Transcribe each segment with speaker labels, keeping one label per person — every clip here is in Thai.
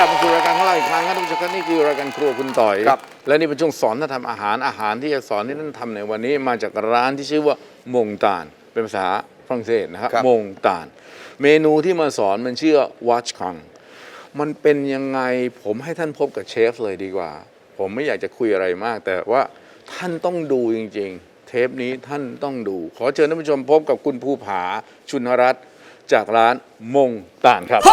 Speaker 1: ลับมาสู่รายการของเราอีกครั้งครับท่านผู้ชมครับนี่คือรายการครัวคุณต่อยครับและนี่เป็นช่วงสอนท่านทำอาหารที่จะสอนที่ท่านทำในวันนี้มาจากร้านที่ชื่อว่ามงตาลเป็นภาษาฝรั่งเศสนะครับมงตาลเมนูที่มาสอนมันชื่อวัชคังมันเป็นยังไงผมให้ท่านพบกับเชฟเลยดีกว่าผมไม่อยากจะคุยอะไรมากแต่ว่าท่านต้องดูจริงๆเทปนี้ท่านต้องดูขอเชิญท่านผู้ชมพบกับคุณภูผาชุนรัตน์จากร้านมงตาลครับ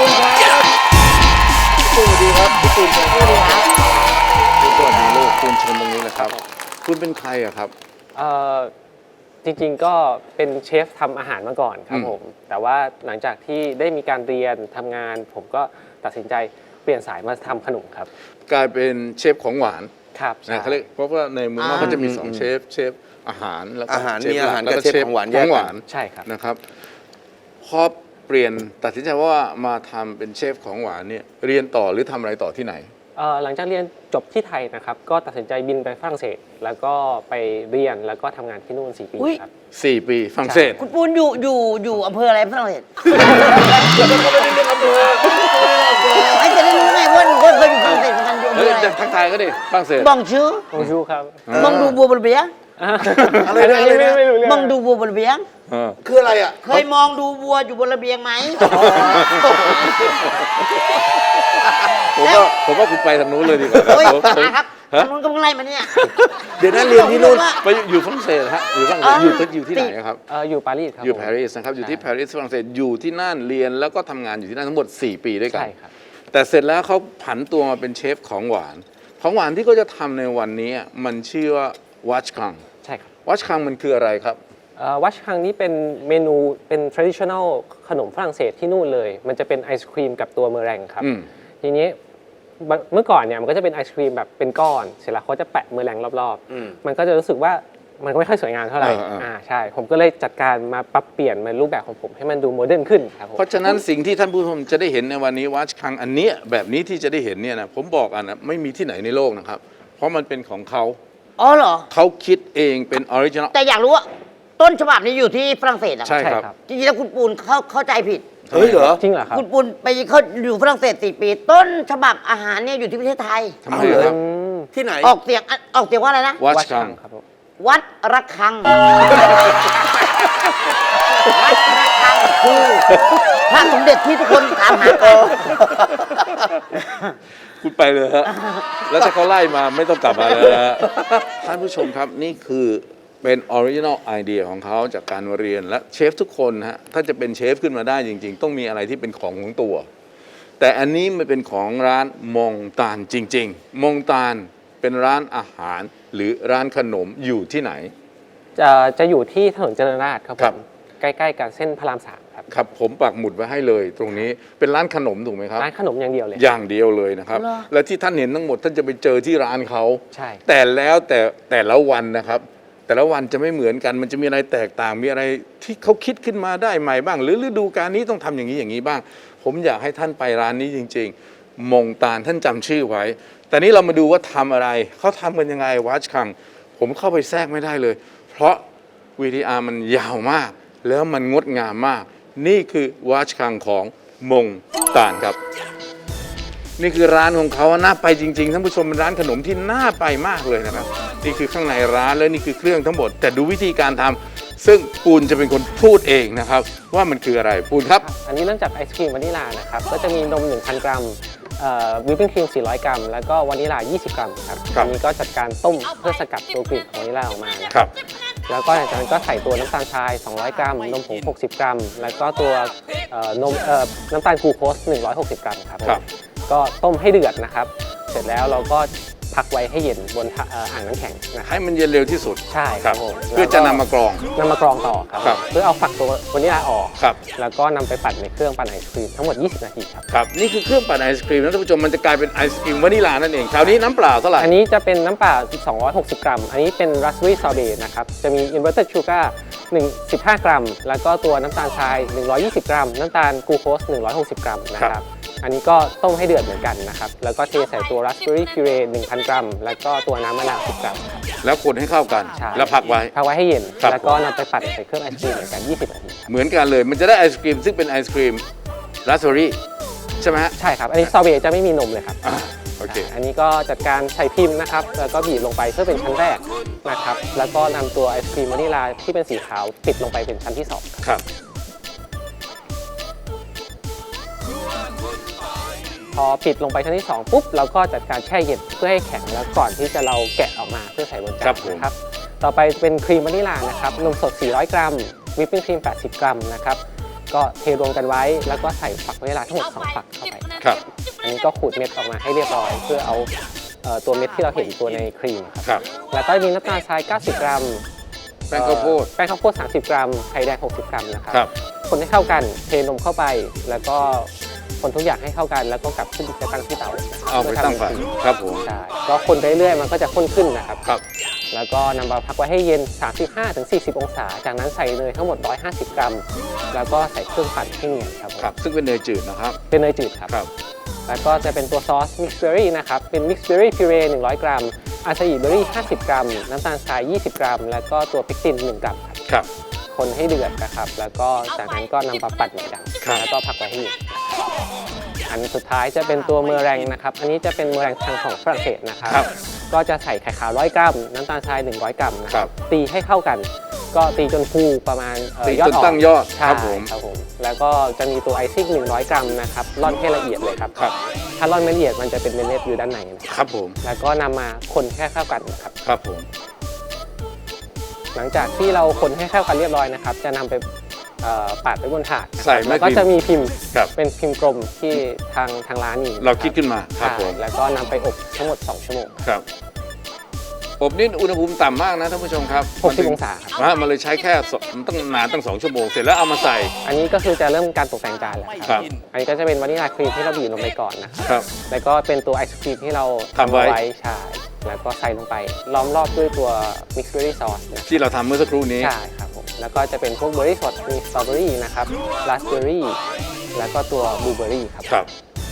Speaker 1: สวัสดีครับพี่ตูนครับสวัสดีครับสวัสดีลูกคุณชมตรงนี้แหละครับคุณเป็นใครอะครับ
Speaker 2: จริงๆก็เป็นเชฟทำอาหารมาก่อนครับผมแต่ว่าหลังจากที่ได้มีการเรียนทำงานผมก็ตัดสินใจเปลี่ยนสายมาทำขนมครับ
Speaker 1: กลายเป็นเชฟของหวาน
Speaker 2: ครับ
Speaker 1: นะเขาเรียกเพราะว่าในเมืองนอกเขาจะมี2เชฟอาหารแล้วก็
Speaker 3: อาหารมีอาหารกับเชฟของหวานแยกกัน
Speaker 2: ใช่ครับ
Speaker 1: นะครับพอเปลี่ยนตัดสินใจว่ามาทำเป็นเชฟของหวานเนี่ยเรียนต่อหรือทำอะไรต่อที่ไหน
Speaker 2: หลังจากเรียนจบที่ไทยนะครับก็ตัดสินใจบินไปฝรั่งเศสแล้วก็ไปเรียนแล้วก็ทำงานที่นู่น4 ปีครับ
Speaker 1: 4 ปีฝรั่งเศส
Speaker 4: คุณปูนอยู่อำเภออะไรฝรั่งเศสไอ้จะได้รู้ไงว่าหนูก็เคยอยู่ฝรั่งเศสเหมือนกันอยู่อำเภออะไร
Speaker 1: ทักทายก็ดิฝรั่งเศส
Speaker 4: บองชื่อบ
Speaker 2: องชูครับ
Speaker 4: บองดูบัวบนเบียง
Speaker 3: อะไรนะ
Speaker 4: บองดูบัวบนเบียง
Speaker 3: คืออะไรอ่ะ
Speaker 4: เคยมองดูบัวอยู่บนระเบียงไหม
Speaker 1: ผมว่าคุณไปทางนู้นเลยดีกว่า
Speaker 4: ครับทางนู้นก็เพิ่งไล่มาเนี่ย
Speaker 1: เดี๋ยวนั้นเรียนที่นู่นไปอยู่ฝรั่งเศสฮะอยู่ฝรั่งเศสอยู่ที่ไหนครับ
Speaker 2: อยู่ปารีสครับ
Speaker 1: อยู่ปารีสนะครับอยู่ที่ปารีสฝรั่งเศสอยู่ที่นั่นเรียนแล้วก็ทำงานอยู่ที่นั่นทั้งหมด4 ปีด้วยกัน
Speaker 2: ใช่ครับ
Speaker 1: แต่เสร็จแล้วเขาผันตัวมาเป็นเชฟของหวานที่เขาจะทำในวันนี้มันชื่อว่าวัชคัง
Speaker 2: ใช่ครับ
Speaker 1: วัชคังมันคืออะไรครับ
Speaker 2: วัชคังนี้เป็นเมนูเป็น traditional ขนมฝรั่งเศสที่นู่นเลยมันจะเป็นไอศครีมกับตัวเมอแรงครับทีนี้เมื่อก่อนเนี่ยมันก็จะเป็นไอศครีมแบบเป็นก้อนเสร็จแล้วเขาจะแปะเมอแรงรอบๆมันก็จะรู้สึกว่ามันก็ไม่ค่อยสวยงามเท่าไหร่ใช่ผมก็เลยจัดการมาปรับเปลี่ยนมารูปแบบของผมให้มันดูโมเดิร์นขึ้นครับ
Speaker 1: เพราะฉะนั้นสิ่งที่ท่านผู้ชมจะได้เห็นในวันนี้วัชคังอันนี้แบบนี้ที่จะได้เห็นเนี่ยนะผมบอกอันนะไม่มีที่ไหนในโลกนะครับเพราะมันเป็นของเขา
Speaker 4: อ๋อเหรอ
Speaker 1: เขาคิดเองเป็นออริจินอล
Speaker 4: แต่อยากรู้ว่าต้นฉบับนี้อยู่ที่ฝรั่งเศสเหรอ
Speaker 1: ใช่ครับ
Speaker 4: จริงๆแล้วคุณปูนเข้าใจผิด
Speaker 3: เฮ้ยเหรอ
Speaker 2: จริงเหรอครับ
Speaker 4: คุณปูนไปเขาอยู่ฝรั่งเศส4 ปีต้นฉบับอาหารเนี่ยอยู่ที่ประเทศไทย
Speaker 1: ทำไมครับ
Speaker 3: ที่ไหน
Speaker 4: ออกเสียงว่าอะไรนะ
Speaker 1: วัชคัง
Speaker 2: ครับ
Speaker 4: วัดระฆังวัดระฆังคือพระสมเด็จที่ทุกคนถามหากัน
Speaker 1: คุณไปเลยฮะแล้วถ้าเขาไล่มาไม่ต้องกลับมาเลยฮะท่านผู้ชมครับนี่คือเป็นออริจินอลไอเดียของเขาจากการเรียนและเชฟทุกคนฮะถ้าจะเป็นเชฟขึ้นมาได้จริงๆต้องมีอะไรที่เป็นของตัวแต่อันนี้มันเป็นของร้านมงตาลจริงๆมงตาลเป็นร้านอาหารหรือร้านขนมอยู่ที่ไหน
Speaker 2: จะอยู่ที่ถนนเจริญราษฎร์ครับผมใกล้ๆกับเส้นพระราม3ครับ
Speaker 1: ครับผมปักหมุดไว้ให้เลยตรงนี้เป็นร้านขนมถูกไหมครับ
Speaker 2: ร้านขนมอย่างเดียวเลย
Speaker 1: อย่างเดียวเลยนะครับและที่ท่านเห็นทั้งหมดท่านจะไปเจอที่ร้านเขา
Speaker 2: ใช่
Speaker 1: แต่ละวันนะครับแต่ละวันจะไม่เหมือนกันมันจะมีอะไรแตกต่างมีอะไรที่เขาคิดขึ้นมาได้ใหม่บ้างหรือฤดูกาลนี้ต้องทำอย่างนี้บ้างผมอยากให้ท่านไปร้านนี้จริงๆมงตาลท่านจำชื่อไว้แต่นี้เรามาดูว่าทำอะไรเขาทำกันยังไงวัชคังผมเข้าไปแทรกไม่ได้เลยเพราะ VTR มันยาวมากแล้วมันงดงามมากนี่คือวัชคังของมงตาลครับนี่คือร้านของเขาน่าไปจริงๆท่านผู้ชมเป็นร้านขนมที่น่าไปมากเลยนะครับนี่คือข้างในร้านและนี่คือเครื่องทั้งหมดแต่ดูวิธีการทำซึ่งปูนจะเป็นคนพูดเองนะครับว่ามันคืออะไรปูนครับ
Speaker 2: อันนี้เริ่มจากไอศครีมวานิลานะครับก็จะมีนม 1,000 กรัมวิปปิ้งครีม 400 กรัมแล้วก็วานิลา 20 กรัมครับอันนี้ก็จัดการต้มเพื่อสกัดตัวกลิ่นของวานิลาออกมานะครับแล้วก็หลังจากนั้นก็ใส่ตัวน้ำตาลทราย 200 กรัมนมผง 60 กรัมแล้วก็ตัวน้ำตาลกลูโคส 160 กรัมครับก็ต้มให้เดือดนะครับเสร็จแล้วเราก็พักไว้ให้เย็นบนอ่างน้ำแข็งนะครับ
Speaker 1: ให้มันเย็นเร็วที่สุด
Speaker 2: ใช่ครับผม
Speaker 1: เพื่อจะนำมากรอง
Speaker 2: ต่อครับเพื่อเอาฝักตัววานิลาออก
Speaker 1: ครับ
Speaker 2: แล้วก็นำไปปั่นในเครื่องปั่นไอศครีมทั้งหมด20 นาทีครับ
Speaker 1: ครับนี่คือเครื่องปั่นไอศครีมนะท่านผู้ชมมันจะกลายเป็นไอศครีมวานิลานั่นเองคราวนี้น้ำเปล่าเท่าไหร่
Speaker 2: อันนี้จะเป็นน้ำเปล่า260 กรัมอันนี้เป็นราสเบอร์รี่ซอร์เบต์นะครับจะมี inverted sugar 15 กรัมแล้วก็ตัวน้ำตาลทราย120 กรัมน้ำตาลกลูโคส 160 กรัมนะครับอันนี้ก็ต้มให้เดือดเหมือนกันนะครับแล้วก็เทใส่ตัวราสเบอร์รี่พิเร 1,000 กรัมแล้วก็ตัวน้ำมะนาว 10 กรัม
Speaker 1: แล้วคนให้เข้ากันแล้วพักไว้
Speaker 2: ให้เย็นแล้วก็นำไปปั่นใส่เครื่องไอศครีมเหมือนกัน20 นาที
Speaker 1: เหมือนกันเลยมันจะได้ไอศครีมซึ่งเป็นไอศครีมราสเบอร์รี่ชช่ไหมฮะ
Speaker 2: ใช่ครับ อันนี้สตรอเบอรี่จะไม่มีนมเลยครับ
Speaker 1: โอเค
Speaker 2: อันนี้ก็จัดการใส่พิมพ์นะครับ แล้วก็บีบลงไปเพื่อเป็นชั้นแรกนะครับ แล้วก็นำตัวไอศครีมวานิลาที่เป็นสีขาวปิดลงไปเป็นชั้นที่2ครับ
Speaker 1: ครับ
Speaker 2: พอปิดลงไปชั้นที่ 2 ปุ๊บเราก็จัดการแช่เย็นเพื่อให้แข็งแล้วก่อนที่จะเราแกะออกมาเพื่อใส่บนจา
Speaker 1: ครั
Speaker 2: น
Speaker 1: บผม
Speaker 2: นะครับ ต่อไปเป็นครีมวานิลานะครับ นมสด 400 กรัม วิปปิ้งครีม 80 กรัมนะครับ ก็เทรวมกันไว้ แล้วก็ใส่ฝักวานิลาทั้งหมด 2 ฝักเข้าไป
Speaker 1: ครับ
Speaker 2: อันนี้ก็ขูดเม็ดออกมาให้เรียบร้อย เพื่อเอาตัวเม็ดที่เราเห็นตัวในครีมครับ
Speaker 1: ครับ
Speaker 2: แล้วก็มีน้ำตาลทราย 90 กรัม
Speaker 1: แป้งข้าวโพด
Speaker 2: แป้งข้าวโพด 30 กรัม ไข่แดง 60 กรัมนะครับ
Speaker 1: ครับ
Speaker 2: คนให้เข้ากัน เทนมเข้าไป แล้วก็คนทุกอย่างให้เข้ากัน แล้วก็กลับขึ้นไปตั้งที่เตา
Speaker 1: เอาไปตั้งไฟ
Speaker 2: เพื่อทำเป็นครีม
Speaker 1: ครับผม
Speaker 2: ใช่ ก็คนไปเรื่อยๆ มันก็จะข้นขึ้นนะครับ
Speaker 1: ครับ
Speaker 2: แล้วก็นำมาพักไว้ให้เย็น 35-40 องศา จากนั้นใส่เนยทั้งหมด 150 กรัม แล้วก็ใส่เครื่องปั่นให้เนียนครับผม
Speaker 1: ครับ ซึ่งเป็นเนยจืดนะครับ
Speaker 2: เป็นเนยจืดครับ
Speaker 1: ครับ
Speaker 2: แล้วก็จะเป็นตัวซอสมิกซ์เบอร์รี่นะครับ เป็นมิกซ์เบอร์รี่พิเร100 กรัม อาซาอิเบอร์รี่ 50 กรัม น้ำตาลทราย 20 กรัม แล้วก็ตัวเพกติน 1 กรัมครับ
Speaker 1: ครับ
Speaker 2: คนให้เดือดนะครับ แล้วก็จากนั้นก็นำมาปั่นเหมือนกัน
Speaker 1: ครับ
Speaker 2: แล้วก็พักไว้ให้เย็นอันสุดท้ายจะเป็นตัวเมอแรงนะครับ อันนี้จะเป็นเมอแรงทางของฝรั่งเศสนะครับ
Speaker 1: ครับ
Speaker 2: ก็จะใส่ไข่ขาว 100 กรัม น้ำตาลทราย 100 กรัมนะค
Speaker 1: ครั
Speaker 2: รับ
Speaker 1: บ
Speaker 2: ตีให้เข้ากัน ก็ตีจนฟูประมาณ
Speaker 1: ตี
Speaker 2: ยอ
Speaker 1: จ
Speaker 2: ด
Speaker 1: น
Speaker 2: ออก
Speaker 1: ตั้งยอด
Speaker 2: ใช่
Speaker 1: ครับผม
Speaker 2: ครับผม แล้วก็จะมีตัวไอซิ่ง 100 กรัมนะครับ ร่อนให้ละเอียดเลยครับ
Speaker 1: ครับ
Speaker 2: ถ้าร่อนไม่ละเอียดมันจะเป็นเม็ดๆอยู่ด้านในนะครับ
Speaker 1: ครับผม
Speaker 2: แล้วก็นำมาคนแค่เข้ากันนะครับ
Speaker 1: ครับผม
Speaker 2: หลังจากที่เราคนให้เข้ากันเรียบร้อยนะครับ จะนำไปปาดไว้บนถาดนะครับ
Speaker 1: ใส่แม่
Speaker 2: แล้วก็
Speaker 1: พิมพ์
Speaker 2: จะมีพิมพ์
Speaker 1: ครับ
Speaker 2: เป็นพิมพ์กลมที่ทางร้านมี
Speaker 1: เราคิดขึ้นมาครับ
Speaker 2: ใช่
Speaker 1: ผม
Speaker 2: แล้วก็นำไปอบทั้งหมด 2 ชั่วโมง
Speaker 1: ครับ อบนี่อุณหภูมิต่ำมากนะท่านผู้ชมครับ
Speaker 2: 60 องศาครับ
Speaker 1: มันเลยใช้แค่มันต้องนานตั้ง2 ชั่วโมง เสร็จแล้วเอามาใส่
Speaker 2: อันนี้ก็คือจะเริ่มการตกแต่งจานแล้ว
Speaker 1: ค
Speaker 2: ค
Speaker 1: รั
Speaker 2: รับ บ อันนี้ก็จะเป็นวานิลาครีมที่เราบีบลงไปก่อนนะครับ
Speaker 1: ครับ
Speaker 2: แล้วก็เป็นตัวไอศครีมที่เรา
Speaker 1: ทำไว้
Speaker 2: เอาใช่แล้วก็ใส่ลงไปล้อมรอบด้วยตัวมิกซ์เบอร์รี่ซอสนะ
Speaker 1: ที่เราทำเมื่อสักครู่นี้
Speaker 2: ใช่ครับผม แล้วก็จะเป็นพวกเบอร์รี่สด มีสตรอเบอรี่นะครับราสเบอร์รี่ แล้วก็ตัวบลูเบอร์รี่ครับ
Speaker 1: ครับ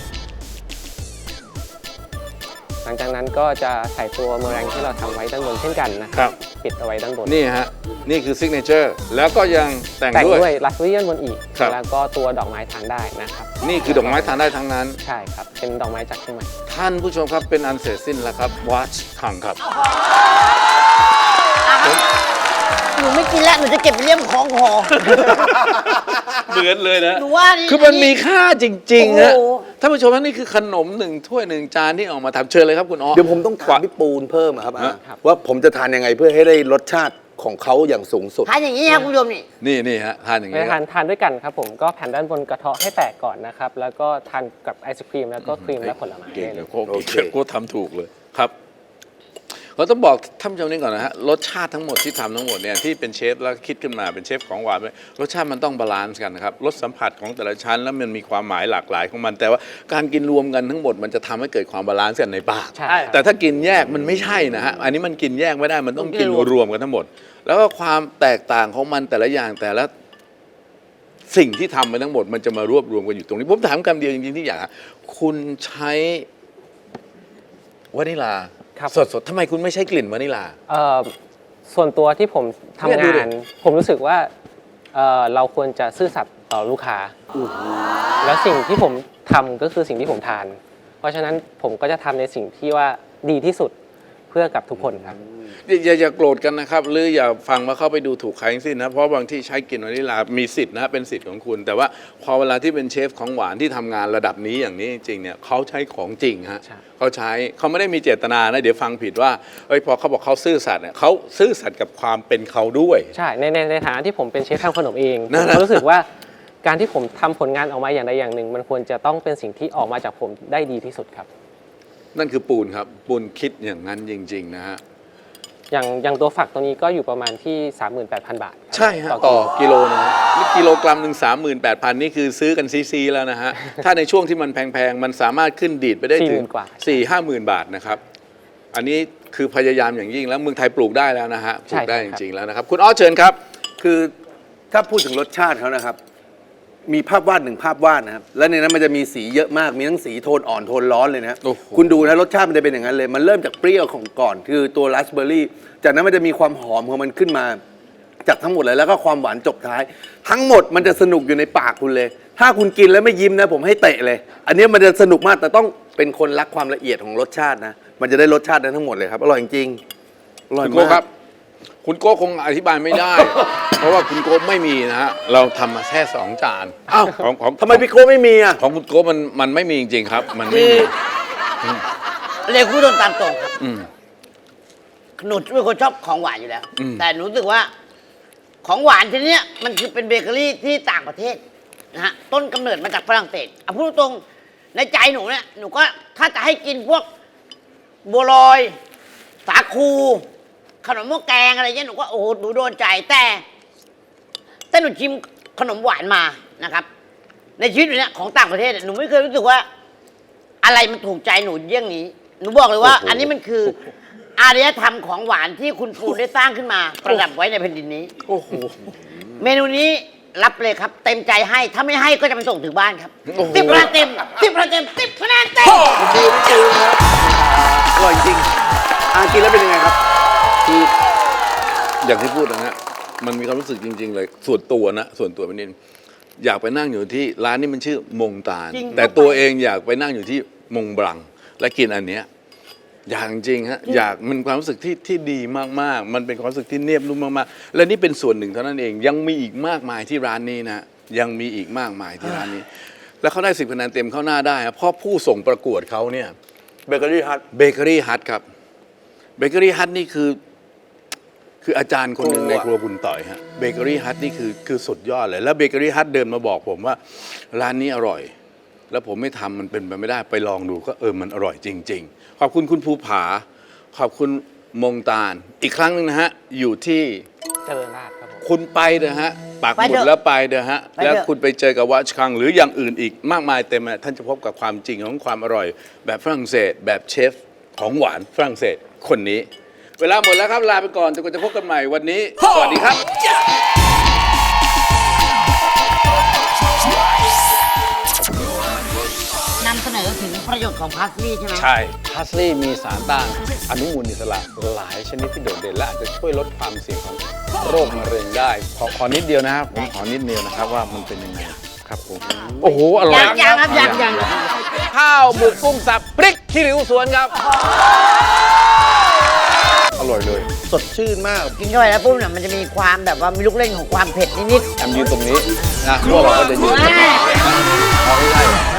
Speaker 2: หลังจากนั้นก็จะใส่ตัวเมอแรงที่เราทำไว้ด้านบนเช่นกันนะค
Speaker 1: ครั
Speaker 2: รับ ปิดเอาไว้ด้านบน
Speaker 1: นี่ฮะ นี่คือซิกเนเจอร์ แล้วก็ยังแต่ง
Speaker 2: แต่ง
Speaker 1: ด้วย
Speaker 2: ด้วยราสเบอร์รี่ด้านบนอีก
Speaker 1: ครับ
Speaker 2: แล้วก็ตัวดอกไม้ทานได้นะครับ
Speaker 1: นี่คือดอกไม้ทานได้ทั้งนั้น
Speaker 2: ใช่ครับ เป็นดอกไม้จากเชียงใหม่
Speaker 1: ท่านผู้ชมครับเป็นอันเสร็จสิ้นแล้วครับวัชคังครับ
Speaker 4: หนูไม่กินแล้ว หนูจะเก็บไปเลี่ยมของหอ
Speaker 1: เหมือนเลยนะ
Speaker 4: หนูว่านี่
Speaker 1: คือมันมีค่าจริงๆฮะ
Speaker 4: โอ้โห
Speaker 1: ท่านผู้ชมครับนี่คือขนม1 ถ้วย 1 จานที่ออกมาทำเชิญเลยครับคุณอ๋อ
Speaker 3: เดี๋ยวผมต้องถามพี่ปูนเพิ่มอะครับ
Speaker 2: ครับ
Speaker 3: ว่าผมจะทานยังไงเพื่อให้ได้รสชาติของเขาอย่างสูงสุด
Speaker 4: ทานอย่างนี้ครับคุณผู้ชมนี่
Speaker 1: นี่ฮะทานอย่าง
Speaker 2: ไป
Speaker 1: นี้ค
Speaker 2: ทา
Speaker 1: รับ
Speaker 2: นทานด้วยกันครับผมก็แผ่นด้านบนกระเทาะให้แตกก่อนนะครับ แล้วก็ทานกับไอศครีมแล้วก็ครีมและผลไม้
Speaker 1: เก่ง
Speaker 2: ได้
Speaker 1: เล
Speaker 2: เลย ย
Speaker 1: โค้ชทำถูกเลยครับเราต้องบอกท่านผู้ชมนี่ก่อนนะฮะรสชาติทั้งหมดที่ทำทั้งหมดเนี่ยที่เป็นเชฟแล้วคิดขึ้นมาเป็นเชฟของหวานรสชาติมันต้องบาลานซ์กันนะครับรสสัมผัสของแต่ละชั้นแล้วมันมีความหมายหลากหลายของมัน แต่ว่าการกินรวมกันทั้งหมดมันจะทำให้เกิดความบาลานซ์กันในปาก
Speaker 2: ใช่
Speaker 1: แต่ถ้ากินแยกมันไม่ใช่นะฮะอันนี้มันกินแยกไม่ได้มันต้องกินรวมกันทั้งหมด แล้วก็ความแตกต่างของมันแต่ละอย่างแต่ละสิ่งที่ทำไปทั้งหมดมันจะมารวบรวมกันอยู่ตรงนี้ผมถามคำเดียวจริงๆที่อยากคุณใช้วานิลา
Speaker 2: ครับ
Speaker 1: สดๆทำไมคุณไม่ใช้กลิ่นวานิลา
Speaker 2: ส่วนตัวที่ผมทำ
Speaker 1: เนี่ยดู
Speaker 2: งา
Speaker 1: ดิ
Speaker 2: น ผมรู้สึกว่าเราควรจะซื่อสัตย์ต่อลูกค้า แล้วสิ่งที่ผมทำก็คือสิ่งที่ผมทาน เพราะฉะนั้นผมก็จะทำในสิ่งที่ว่าดีที่สุดเพื่อกับทุกคนครับ
Speaker 1: อย่าโกรธกันนะครับ หรืออย่าฟังว่าเข้าไปดูถูกใครทั้งสิ้นนะเพราะบางที่ใช้กลิ่นวานิลามีสิทธิ์นะเป็นสิทธิ์ของคุณ แต่ว่าพอเวลาที่เป็นเชฟของหวานที่ทำงานระดับนี้อย่างนี้จริงๆเนี่ยเขาใช้ของจริงฮะ
Speaker 2: ใช่
Speaker 1: เขาไม่ได้มีเจตนานะเดี๋ยวฟังผิดว่าพอเขาบอกเขาซื่อสัตย์เนี่ยเขาซื่อสัตย์กับความเป็นเขาด้วย
Speaker 2: ใช่ในฐานะที่ผมเป็นเชฟทำขนมเอง
Speaker 1: นั่
Speaker 2: ผ
Speaker 1: น
Speaker 2: ม
Speaker 1: น่ะ
Speaker 2: ก็รู้สึกว่าการที่ผมทำผลงานออกมาอย่างใดอย่างหนึ่ง มันควรจะต้องเป็นสิ่งที่ออกมาจากผมได้ดีที่สุดครับ
Speaker 1: นั่นคือปูนครับปูนคิดอย่างนั้นจริงๆนะฮะ
Speaker 2: อย่างตัวฝักตัวนี้ก็อยู่ประมาณที่ 38,000 บาทครับ
Speaker 1: ใช่ฮะต่อกิโลนึงนี่กิโลกรัมหนึ่ง38,000นี่คือซื้อกันซีแล้วนะฮะ ถ้าในช่วงที่มันแพงๆ มันสามารถขึ้นดีดไปได้ถึง
Speaker 2: 40,000 กว่า
Speaker 1: 4-50,000 บาทนะครับ อันนี้คือพยายามอย่างยิ่งแล้วเมืองไทยปลูกได้แล้วนะฮะปลูกได้จริงๆแล้วนะครับ คุณอ้อเชิญครับ
Speaker 3: คือถ้าพูดถึงรสชาติเขานะครับ มีภาพวาด1 ภาพวาดนะครับ แล้วในนั้นมันจะมีสีเยอะมาก มีทั้งสีโทนอ่อนโทนร้อนเลยนะ
Speaker 1: โอ้โห
Speaker 3: คุณดูนะรสชาติมันจะเป็นอย่างนั้นเลย มันเริ่มจากเปรี้ยวของก่อน คือตัวราสเบอร์รี่ จากนั้นมันจะมีความหอมของมันขึ้นมา จากทั้งหมดเลยแล้วก็ความหวานจบท้าย ทั้งหมดมันจะสนุกอยู่ในปากคุณเลยถ้าคุณกินแล้วไม่ยิ้มนะผมให้เตะเลย อันนี้มันจะสนุกมากแต่ต้องเป็นคนรักความละเอียดของรสชาตินะ มันจะได้รสชาตินั้นทั้งหมดเลยครับ อร่อยจริงๆอร่อย
Speaker 1: คุณโก้
Speaker 3: มาก
Speaker 1: ครับ คุณโก้คงอธิบายไม่ได้ เพราะว่าคุณโก้ไม่มีนะฮะเราทำมาแค่2 จาน
Speaker 3: อ้าว
Speaker 1: ของ
Speaker 3: ทำไมพี่โก้ไม่มีอ่ะ
Speaker 1: ของคุณโก้มันไม่มีจริงๆครับ มันไม่
Speaker 4: คือ
Speaker 1: มี
Speaker 4: เรียกพูดตรงตามตรงครับ
Speaker 1: อืม
Speaker 4: หนูเป็นคนชอบของหวานอยู่แล้ว
Speaker 1: อืม
Speaker 4: แต่หนูรู้สึกว่า ของหวานทีเนี้ยมันคือเป็นเบเกอรี่ที่ต่างประเทศนะฮะต้นกำเนิดมาจากฝรั่งเศสเอาพูดตรงๆในใจหนูเนี่ยหนูก็ถ้าจะให้กินพวกบัวลอย สาคู ขนมหม้อแกงอะไรเงี้ยหนูก็โอ้โหหนูโดนใจแต่หนูชิมขนมหวานมานะครับ ในชีวิตหนูเนี่ยของต่างประเทศเนี่ยหนูไม่เคยรู้สึกว่า อะไรมันถูกใจหนูเยี่ยงนี้ หนูบอกเลยว่า อันนี้มันคืออารยธรรมของหวานที่คุณปูได้สร้างขึ้นมา ประดับไว้ในแผ่นดินนี้
Speaker 1: โอ้โห
Speaker 4: เมนูนี้รับเลยครับ เต็มใจให้ ถ้าไม่ให้ก็จะไปส่งถึงบ้านครับ
Speaker 1: โอ้โห
Speaker 4: 10 คะแนนเต็ม10 คะแนนเต็ม10 คะแนนเต็ม
Speaker 3: อร่อยจริงกินแล้วเป็นยังไงครับ
Speaker 1: คืออย่างที่พูดนะฮะมันมีความรู้สึกจริง ๆ เลยส่วนตัวนะส่วนตัวเป็นนิดอยากไปนั่งอยู่ที่ร้านนี้มันชื่อมงตาล
Speaker 4: จริง
Speaker 1: แต่ตัวเองอยากไปนั่งอยู่ที่มงบลัง และกินอันเนี้ยอยากจริงๆฮะอยากมันความรู้สึกที่ดีมากๆ มันเป็นความรู้สึกที่เนียบนุ่มมากๆและนี่เป็นส่วนหนึ่งเท่านั้นเองยังมีอีกมากมายที่ร้านนี้นะยังมีอีกมากมายที่ร้านนี้ แล้วเขาได้10 คะแนนเต็มเข้าหน้าได้ครับเพราะผู้ส่งประกวดเขาเนี่ย
Speaker 3: เบเกอรี่ฮัท
Speaker 1: เบเกอรี่ฮัทครับเบเกอรี่ฮัทนี่คืออาจารย์คนหนึ่งในครัวคุณต่อยฮะเบเกอรี่ฮัทนี่คือสุดยอดเลยแล้วเบเกอรี่ฮัทเดินมาบอกผมว่าร้านนี้อร่อย แล้วผมไม่ทำมันเป็นไปไม่ได้ไปลองดูก็มันอร่อยจริง ๆ ขอบคุณคุณภูผา ขอบคุณมงตาลอีกครั้งหนึงนะฮะอยู่ที่
Speaker 2: เจริญราษฎร์ครับผม
Speaker 1: คุณไปเถอะฮะปักห
Speaker 4: ไป
Speaker 1: มุด
Speaker 4: เถอะ
Speaker 1: แล้วไปเถอะฮะ
Speaker 4: ไปเถอะ
Speaker 1: แล้วคุณไปเจอกับวัชคัง หรืออย่างอื่นอีกมากมายเต็มเลยท่านจะพบกับความจริงของความอร่อย แบบฝรั่งเศส แบบเชฟของหวานฝรั่งเศสคนนี้ เวลาหมดแล้วครับลาไปก่อนจนกว่าจะพบกันใหม่วันนี้ สวัสดีครับ
Speaker 4: นำเสนอถึงประโยชน์ของพาสลีย์ใช่ไหม
Speaker 1: ใช่พาสลีย์มีสารต้านอนุมูลอิสระหลายชนิดที่โดดเด่นและอาจจะช่วยลดความเสี่ยงของโรคมะเร็งได้ ขอนิดเดียวนะครับผมขอนิดเดียวนะครับว่ามันเป็นยังไงครับผมโอ้โหอร่อย
Speaker 4: ยังครับยัง
Speaker 1: ข้าวหมึกกุ้งสับพริกขี้ริ้วสวนครับ อร่อยเลย
Speaker 3: สดชื่นมาก
Speaker 4: กินเข้าไปแล้วปุ๊บเนี่ยมันจะมีความแบบว่ามีลูกเล่นของความเผ็ดนิด
Speaker 1: แอมยืนตรงนี้นะพวกเราก็จะยืน
Speaker 4: ๆ
Speaker 1: เอาไม่ได้